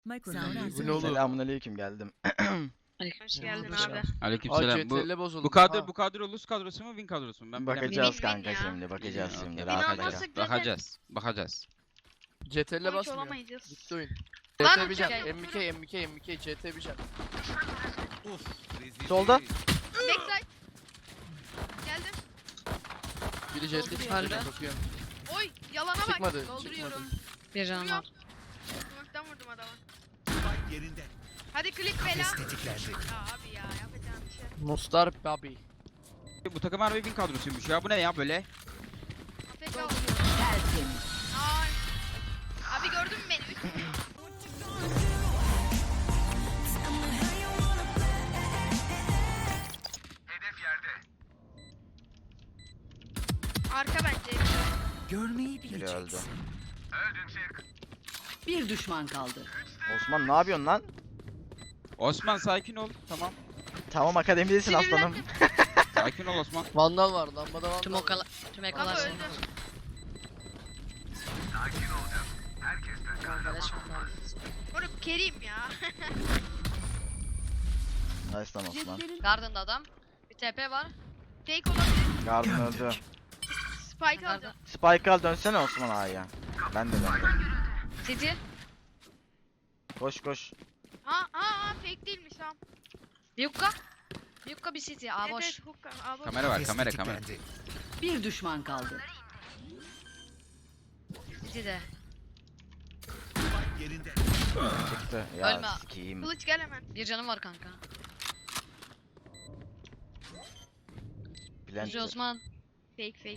Microphone Bu ne oğlum? Selamünaleyküm geldim. Hoş geldin abi. Aleykümselam. CTRL bozuldu. Bu kadro Luz kadrosu mu Win kadrosu mu? Ben Bakacağız Win kanka ya. şimdi, bakacağız Okey. şimdi. Win Rahat olmazsa ol. zaten Bakacağız. CTRL sonuç basmıyor. olamayacağız. Gitti oyun. Lan CT bir can. uçak. MK CT bir can. Solda. Backside. Geldim. Biri CT çıktı. Bakıyorum. Oy yalana bak. Çıkmadı, Dolduruyorum. Bir can var. Smoke'tan vurdum adamı. Hadi klik bela. Ya abi ya yapacağım bir şey. Mustar Babi. Bu takım harbi Win kadrosuymuş ya. Bu ne ya böyle? AFK oluyor. Ay. Abi gördün mü beni? Arka bence. Görmeyi Biri öldü. bileceksin. Bir düşman kaldı. Osman ne yapıyorsun lan? Osman sakin ol. Tamam. Tamam akademidesin aslanım. Sakin ol Osman. Vandal var. Lambada vandal. Tüm Ama ekalar öldü. Moruk Kerim ya. Nice lan Osman. Garden'da adam. Bir TP var. Fake olabilir. Garden öldü. Spike alacağım. Spike al dönsene Osman A'ya. Ben de. City. Koş koş. Ha fake değilmiş tamam. Bir yukka. Bir yukka bir City. Aa boş. Evet, hookah. Aa, boş. Kamera var kamera. Bir düşman kaldı. City de. Çıktı. Ya Ölme. sikiyim. Kılıç gel hemen. Bir canım var kanka. Bülent. Yüce Osman. Fake.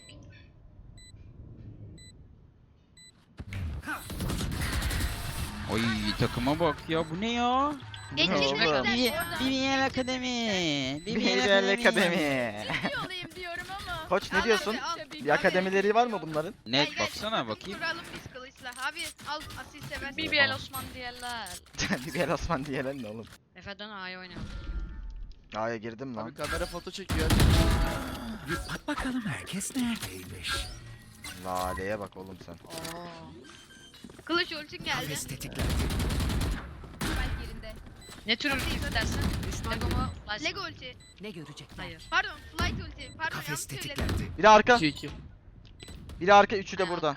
Oy takıma bak ya. Bu ne ya? Geçecekler. oğlum? BBL Akademi. BBL Akademi. olayım diyorum ama. Koç ne Al diyorsun? abi, al. Bir akademileri var mı bunların? Net Gel, gel. baksana bakayım. Duralım biz kılıçla. Abi al asil seversin. BBL Osman diyorlar. BBL Osman diyelim ne oğlum? Efe'den A'ya oynayalım. A'ya girdim lan. Abi kamera foto çekiyor. Bak bakalım herkes neredeymiş. Lale'ye bak oğlum sen. Oo. Kılıç ultin geldi. Kafes tetiklendi. Ben yerinde. Ne tür ulti istersin? Lego mu? License Lego mı? ulti. Ne görecekler? Hayır. Pardon flight ulti. Pardon yanlış Kafes söyledim. tetiklendi. Biri arka. 2-2. Biri arka. Üçü de burada.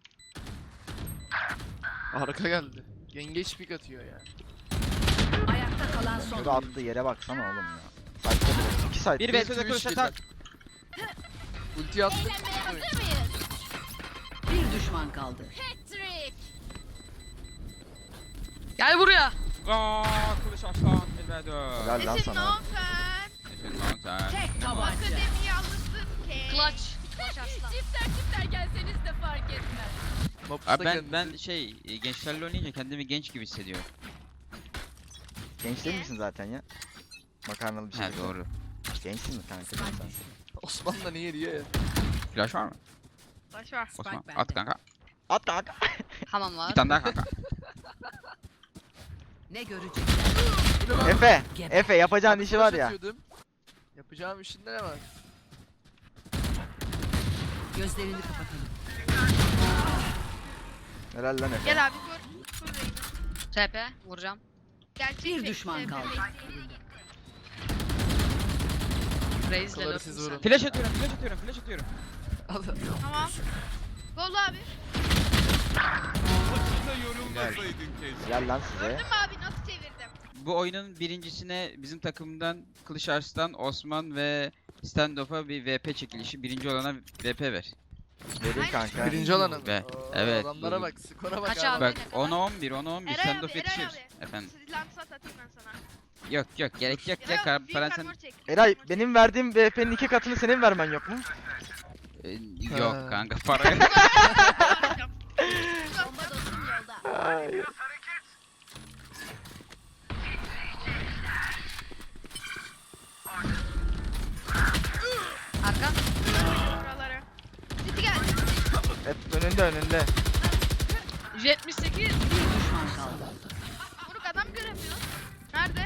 Arka geldi. Yengeç pik atıyor ya. Ayakta kalan son. Şurada attığı yere baksana oğlum ya. Site'de bile. 2 site. Bir vs de kılıç atar. Ulti attı. Bir düşman kaldı. Gel buraya. Aa kılıç aslan. Elveda. Helal lan Nesin sana. no sen? Nefes lan sen. Tek tabanca. Akademiyi alırsın ki. Clutch. Clutch aslan. Çiftler gelseniz de fark etmez. Abi ben gençlerle oynayınca kendimi genç gibi hissediyorum. Genç değil misin zaten ya? Makarnalı bir şey. He doğru. Gençsin mi kanka sen? Osman da niye diyor ya. Flash var mı? Baş var. Osman bende. at kanka. At kanka. Hamam var. Bir tane daha kanka. Ne görecekler? Efe. Efe yapacağın işi var ya. Atıyordum. Yapacağım işinde ne var? Gözlerini kapatalım. Helal lan Efe. Gel abi kur. Kur Reyna. TP. Vuracağım. Gerçek Bir fake, düşman fake, kaldı. fake. Raze'le Kıları lurk'um siz sen. vurun. Flash atıyorum. Tamam. Gol abi. Gel lan size. Gördün mü abi nasıl çevirdim? Bu oyunun birincisine bizim takımdan Kılıç Arslan, Osman ve Standoff'a bir VP çekilişi. Birinci olana VP ver. Vereyim kanka. Birinci olanı mı? Be, Oo, evet. Adamlara bak, skora bak Kaç abi. abi? Bak ne kadar? 10'a 11, 10'a 11 Eray Standoff abi, yetişir. Eray abi. Efendim. Silahını satayım ben sana. Yok gerek yok Eray ya abi, bir falan sen armor çek. Eray benim verdiğim VP'nin 2 katını senin vermen yok mu? Yok Ha. kanka para yok. Bomba dostum yolda. Arka. Oraları. City geldi. Hep önünde. 78. Bir düşman kaldı. Moruk adam göremiyor. Nerede?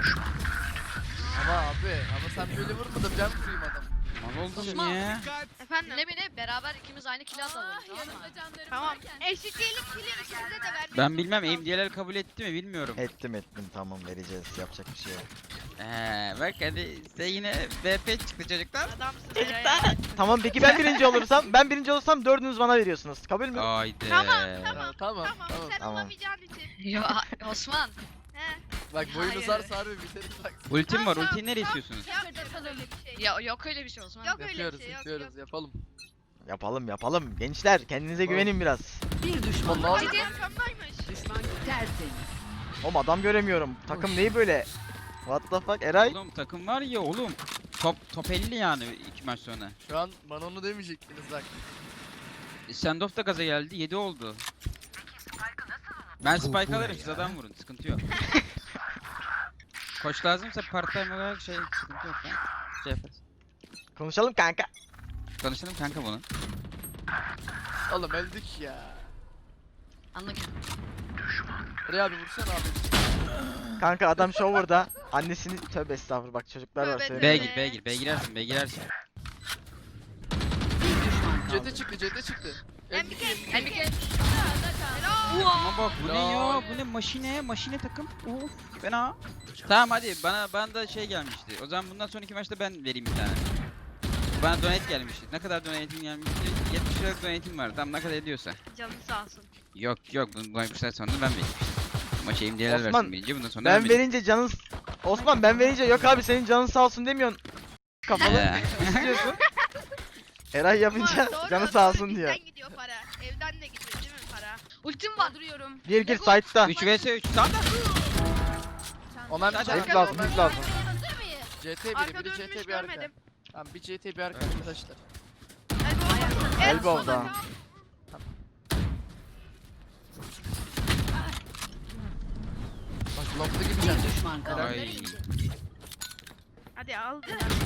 Ama abi, ama sen böyle vurmadın, ben vurayım adam. Mal oldum Osman. ya. Efendim Efendim? Dinle beni beraber ikimiz aynı kili atalım. Tamam mı? Tamam. Eşitlik kili ikimize de vermek. Ben bilmem MD'ler kabul etti mi bilmiyorum. Ettim tamam vereceğiz yapacak bir şey yok. Bak hadi size yine VP çıktı çocuklar. Adamsın ya. Tamam peki ben birinci olursam dördünüz bana veriyorsunuz. Kabul mü? Haydi. Tamam. Tamam Tamam sen Tamam. olamayacağın için. Ya Osman. He. Bak boyunu Hayır. sarsa harbi biteriz bak. Ultim var. Tamam, Ultiyi nereye istiyorsunuz? Yapmayacağız öyle bir şey. Ya yok öyle bir şey Osman. Yok öyle Yapıyoruz bir şey yok. yapıyoruz yapalım. Yapalım. Gençler kendinize güvenin biraz. Bir düşman Vallahi- kaldı. Ciddi arkamdaymış. Tertemiz. Oğlum adam göremiyorum. Takım neyi böyle? What the fuck Eray? Oğlum takım var ya oğlum. Top 50 yani 2 maç sonra. Şu an bana onu demeyecektiniz bak. Standoff da gaza geldi. 7 oldu. Ben spike alırım siz adam vurun. Sıkıntı yok. Koç lazımsa part time olarak sıkıntı yok ya. Şey yaparız. Konuşalım kanka. Konuşalım kanka bunu. Oğlum öldük ya. Anladım. Buraya abi vursana abi. Kanka adam shower'da. Annesini tövbe estağfurullah bak çocuklar var Tövbe söyleyeyim. B gir. B girersin. B girersin. Bir düşman kaldı. CT çıktı. MBK. Ama bak bu ne ya? Lol. Bu ne maşine takım. Of fena. Tamam hadi bana da şey gelmişti. O zaman bundan sonraki maçta ben vereyim bir tane. Bana donate gelmişti. Ne kadar donate'im gelmişti? 70 liralık donate'im var. Tam ne kadar ediyorsa. Canı sağ olsun. Yok bu maçtan sonra ben vereyim. Maça imdiyeler Osman, versin birinci bundan sonra Ben vereyim. verince canın... Osman ben verince yok abi senin canın sağ olsun demiyorsun. Kafalı istiyorsun. Eray yapınca Doğru, canı doğru, sağ olsun diyor. Bizden gidiyor para. Evden de gidiyor değil mi para? Ultim var. Duruyorum. Gir side'da. 3 vs 3. Sağda. Onlar Hadi, Hep lazım. CT biri Arka biri dönmüş CT bir arka. görmedim. Tamam bir CT bir arka arkadaşlar. Elbow'da. Bak long'da gideceğim. Bir düşman kaldı. Ay. Hadi al.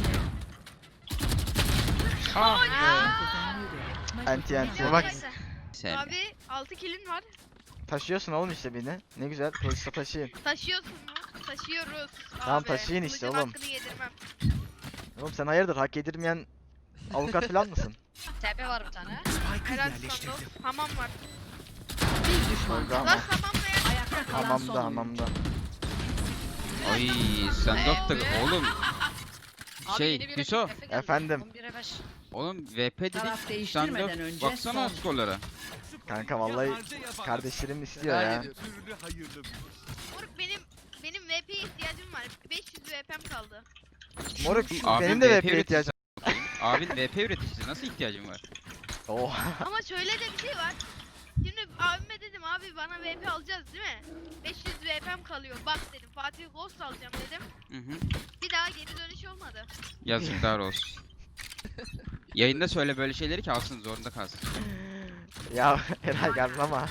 Anti. Bak. Bak Sen. Abi 6 kilin var. taşıyorsun oğlum işte beni. Ne güzel polise taşıyın. Taşıyorsun mu? Taşıyoruz. Tamam, abi. taşıyın işte Kılıcın oğlum. hakkını yedirmem. Oğlum sen hayırdır hak yedirmeyen avukat falan mısın? TP var bir tane. Helal Sandoz. Hamam var. Bir düşman Oldu kaldı. ama. Lan hamamla ya. Ayakta kalan Hamamda son oyuncu. hamamda. Ay standoff da oğlum. Abi Şey, yeni bir Hüso. Efe geldi. Efendim? 11'e 5. Oğlum VP Taraf dedik. değiştirmeden Standoff. önce Baksana son. skorlara. Kanka vallahi kardeşlerim istiyor Merak ya. ediyorum. Moruk benim VP'ye ihtiyacım var. 500 VP'm kaldı. Moruk Abim benim de VP VP'ye ihtiyacım. Abin VP üreticisi nasıl ihtiyacın var? Oha. Ama şöyle de bir şey var. Şimdi abime dedim abi bana VP alacağız değil mi? 500 VP'm kalıyor. Bak dedim Fatih Ghost alacağım dedim. Hı hı. Bir daha geri dönüş olmadı. Yazıklar olsun. Yayında söyle böyle şeyleri ki alsın zorunda kalsın. Ya Eray gazlama.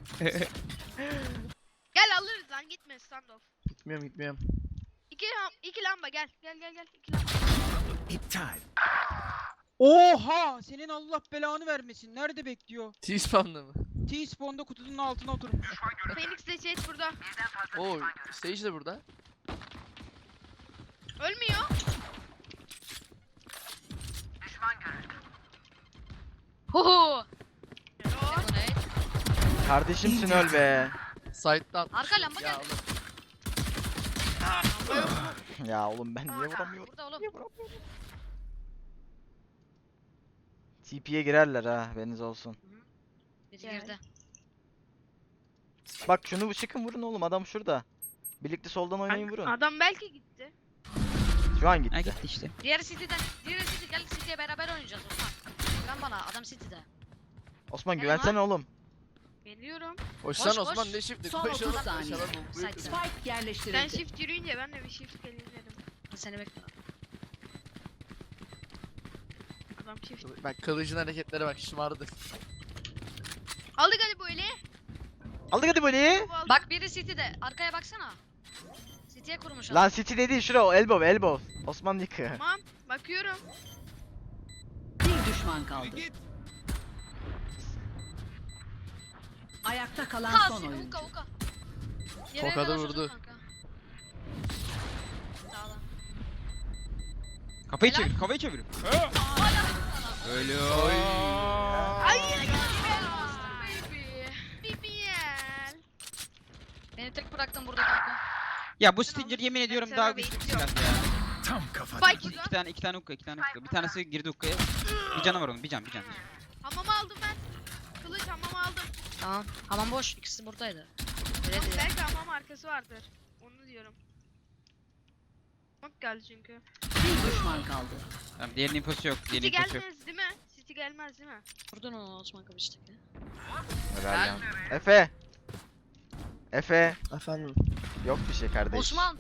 Gel alırız lan gitme standoff. Gitmiyorum. İki lamba gel. Gel. İki lamba. Oha! Senin Allah belanı vermesin. Nerede bekliyor? T-spawn'da mı? T-spawn'da kutunun altına oturmuş. Phoenix de Jet burada. Oo Sage de burada. Ölmüyor. Huhu. Hello. Bu ne? Kardeşimsin öl be. Side'dan. Arka lamba Ya geldi. oğlum. Ya oğlum ben niye vuramıyorum? Burada oğlum. TP'ye girerler ha haberiniz olsun. Biri girdi. Bak şunu çıkın vurun oğlum adam şurada. Birlikte soldan oynayın vurun. Adam belki gitti. Şu an Ha gitti. gitti işte. Diğeri City'den. Diğeri City. Gel City'ye beraber oynayacağız Osman. Güven bana. Adam City'de. Osman Ne güvensene oğlum. Geliyorum. Koşsan Koş, Osman koş. ne shift'i? Son Koşalım 30 saniye. koşalım. Side. Spike Sen yerleştirildi. shift yürüyünce ben de bir shift geleyim dedim. Seni bekliyorum. Adam shift. Bak kılıcın hareketlere bak şımardı. Aldık hadi böyle. Aldık hadi böyle. Bak biri City'de. Arkaya baksana. City'ye kurmuş adam. Lan City değil şura o elbow. Osman yıkı. Tamam. Bakıyorum. Bir düşman kaldı. Ayakta kalan Ha, son City, oyuncu. Uka Uka. Tokadı vurdu. Sağlam. Kafayı Helal. çevir, kafayı çevir. Ölüyor. Hayır. Baby. BBL. Beni tek bıraktın burada kanka. Ya bu Stinger yemin ediyorum Ben daha sana güçlü bir bekliyorum. silah ya. Spike İki tane hukka. Bir tanesi girdi hukkaya. Bir canı var onun, bir can. Hamam aldım ben. Kılıç hamam aldım. Tamam. Hamam boş. İkisi buradaydı. Öyle Ama diyor. belki hamam arkası vardır. Onu diyorum. Bak geldi çünkü. Bir düşman kaldı. Tamam, diğerinin infosu yok. City Diğerinin infosu yok. gelmez değil mi? City gelmez değil mi? Vurdun onu Osman Kabiş'teki. Helal lan. Efe. Efe. Efendim. Yok bir şey kardeş. Osman!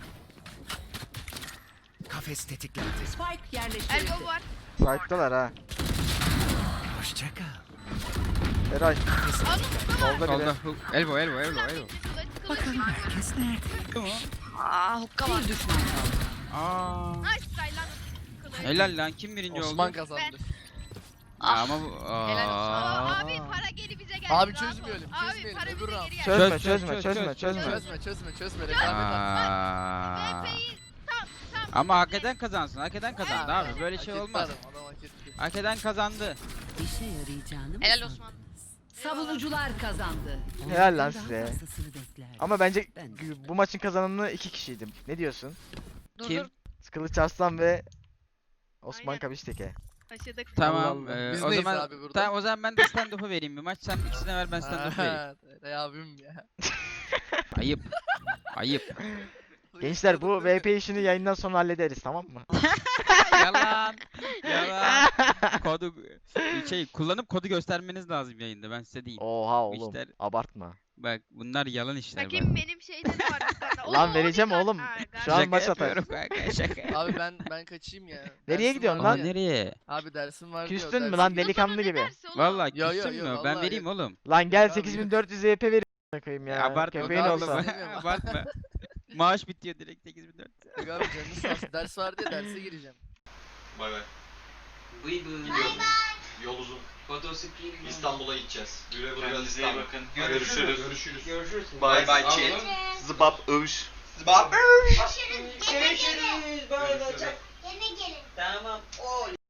Kafes tetiklendi. Spike yerleştirildi. Elbow var. Site'dalar ha. Hoşça kal. Eray. Aldım burada var. Solda biri. Solda hook. Elbow. Kılıç. Herkes nerede? Aa hukka var. Bir düşman kaldı. Aa. Nice try lan. Kılıç. Helal lan, kim birinci Osman oldu? kazandı. Ya Ah. ama bu... Helal Aa, Aa. abi para geri bize geldi. Abi rahat ol. çözmeyelim, Abi çözmeyelim. para Öbür bize round. geri geldi. Çözme Çöz, çözme çöz, çözme çöz, çözme. Çözme. Rekabet at. Aa. VP'yi tam. Ama hak eden kazansın. Hak eden kazandı Evet. abi. Böyle şey Hak olmaz. etti adam, hak etti. Hak eden kazandı. İşe yarayacağını mı Helal sandın? Osman. Savunucular kazandı. Helal lan Daha size. fazlasını beklerdim. Ama bence Ben bu maçın kazananı 2 kişiydi. Ne diyorsun? Dur Kim? dur. Kılıç Arslan ve Osman Aynen. Kabişteke. Taşıdık. Tamam. Allah. Biz O neyiz zaman abi burada? tamam, o zaman ben de stand up'u vereyim bir maç. Sen ikisine ver, ben stand up'u vereyim. Ha, Eray abim ya. Ayıp. Ayıp. Gençler bu VP işini yayından sonra hallederiz tamam mı? Yalan. Yalan. Kodu kullanıp kodu göstermeniz lazım yayında, ben size diyeyim. Oha Bu oğlum. işler- Abartma. Bak bunlar yalan işler bak. Bakayım benim şeyde de var bir tane. Lan Oo, vereceğim dikkat. oğlum. Ha, Şu an Şaka maç atar. yapıyorum kanka, şaka. Abi ben kaçayım ya. Nereye Dersim gidiyorsun var lan? ya. Nereye? Abi dersim var Küstün diyor, mü dersim lan yok. delikanlı Ne gibi? dersi oğlum? Vallahi Yo, yo, küstün yo, mü? Ben vallahi vereyim oğlum. Lan gel Abi. 8400 VP vereyim koyayım ya. Abartma Köpeğin abi, olsa. sen- Abartma. Maaş bitiyor direkt 8400. Yok abi canınız sağ olsun. Ders var diye derse gireceğim. Bay bay. Gidiyorum. Yol uzun. Fotosikliğim. İstanbul'a gideceğiz. Güle güle Kendinize iyi İstanbul. bakın. Görüşürüz. Görüşürüz. Bay bay chat. Zıbap övüş. Zıbap Görüşürüz. Bay bay. Tamam.